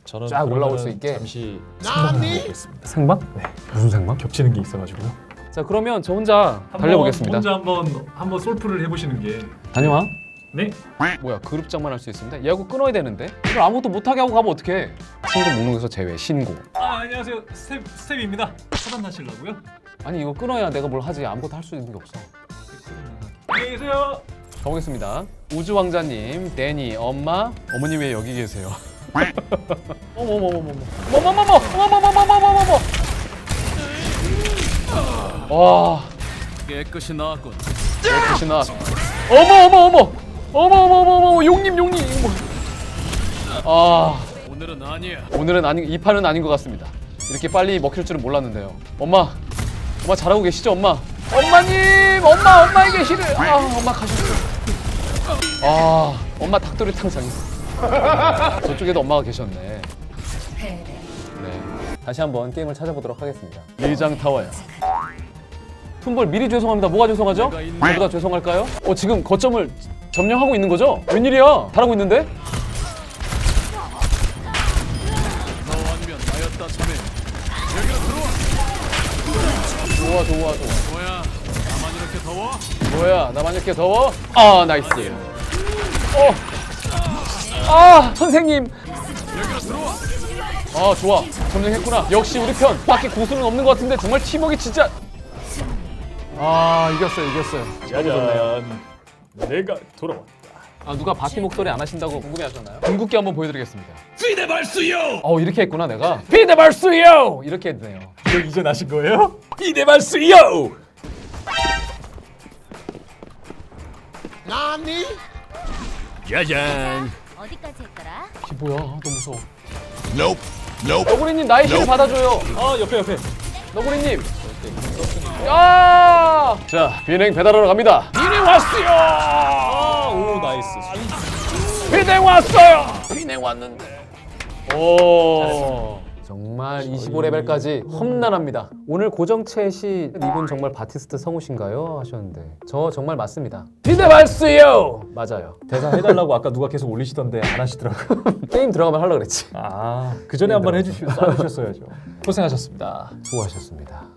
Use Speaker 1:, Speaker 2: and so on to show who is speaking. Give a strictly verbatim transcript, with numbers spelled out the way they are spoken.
Speaker 1: 저는
Speaker 2: 쫙 올라올 수
Speaker 1: 그러면은
Speaker 2: 있게.
Speaker 1: 잠시 생방을 해보겠습니다.
Speaker 2: 생방?
Speaker 1: 네.
Speaker 2: 무슨 생방?
Speaker 1: 겹치는 게 있어가지고요.
Speaker 2: 자 그러면 저 혼자 달려보겠습니다.
Speaker 1: 혼자 한번 한번 솔프를 해보시는 게.
Speaker 2: 다녀와.
Speaker 1: 네.
Speaker 2: 뭐야 그룹장만 할 수 있습니다. 얘하고 끊어야 되는데 이걸 아무것도 못하게 하고 가면 어떡해. 친구 목록에서 제외 신고.
Speaker 1: 아 안녕하세요 스텝 스텝입니다. 차단하시려고요?
Speaker 2: 아니 이거 끊어야 내가 뭘 하지. 아무것도 할 수 있는 게 없어.
Speaker 1: 안녕히 계세요.
Speaker 2: 가보겠습니다. 우주왕자님, 데니, 엄마, 어머님 왜 여기 계세요? 어머머머머머, 어머머머머머머머머머머머. 와,
Speaker 3: 깨끗이 나왔군.
Speaker 2: 깨끗이 나. 어머 어머 어머, 어머 어머 어머 어머, 용님 용님. 이거 뭐. 아,
Speaker 3: 오늘은 아니야.
Speaker 2: 오늘은 아닌 이 판은 아닌 것 같습니다. 이렇게 빨리 먹힐 줄은 몰랐는데요. 엄마, 엄마 잘하고 계시죠, 엄마? 엄마님, 엄마 엄마에게 실을. 아, 엄마 가셨어. 아, 엄마 닭도리탕 당했어. 저쪽에도 엄마가 계셨네. 네. 다시 한번 게임을 찾아보도록 하겠습니다. 리장 타워야. 푼볼 미리 죄송합니다. 뭐가 죄송하죠? 저보다 죄송할까요? 어, 지금 거점을 점령하고 있는 거죠? 웬일이야? 잘하고 있는데?
Speaker 3: 너 아니면 나였다 자네. 여기로 들어와.
Speaker 2: 좋아, 좋아, 좋아.
Speaker 3: 뭐야? 나만 이렇게 더워?
Speaker 2: 뭐야, 나만 이렇게 더워? 아, 나이스. 어. 아, 선생님.
Speaker 3: 여기로 들어와.
Speaker 2: 아, 좋아. 점령했구나. 역시 우리 편. 밖에 고수는 없는 것 같은데 정말 팀워크 진짜. 아, 이겼어요, 이겼어요.
Speaker 1: 짜잔. 내가 돌아왔다.
Speaker 2: 아, 누가 바티 목소리 안 하신다고 궁금해하셨나요? 궁극기 한번 보여드리겠습니다.
Speaker 3: 피데발수요.
Speaker 2: 어, 이렇게 했구나 내가. 피데발수요! 이렇게 했네요.
Speaker 1: 이거 이제 나신 거예요? 이대발수요.
Speaker 4: 나니?
Speaker 3: 짜잔.
Speaker 4: 어디까지 했더라?
Speaker 2: 이게 뭐야? 너무 무서워.
Speaker 3: Nope. Nope.
Speaker 2: 너구리님 나의 힘을 받아줘요.
Speaker 1: 아 옆에 옆에.
Speaker 2: 너구리님. 야! 자, 비행 배달하러 갑니다. 비행 왔어요.
Speaker 1: 아오 나이스.
Speaker 2: 비행 왔어요. 비행 왔는데. 오. 정말 이십오 레벨까지 험난합니다. 오늘 고정챗이 이분 정말 바티스트 성우신가요? 하셨는데 저 정말 맞습니다. 비대발수요. 맞아요.
Speaker 1: 대사 해달라고 아까 누가 계속 올리시던데 안 하시더라고요.
Speaker 2: 게임 들어가면 하려고 그랬지.
Speaker 1: 아, 그 전에 한번 해주시, 써주셨어야죠. 고생하셨습니다.
Speaker 2: 수고하셨습니다.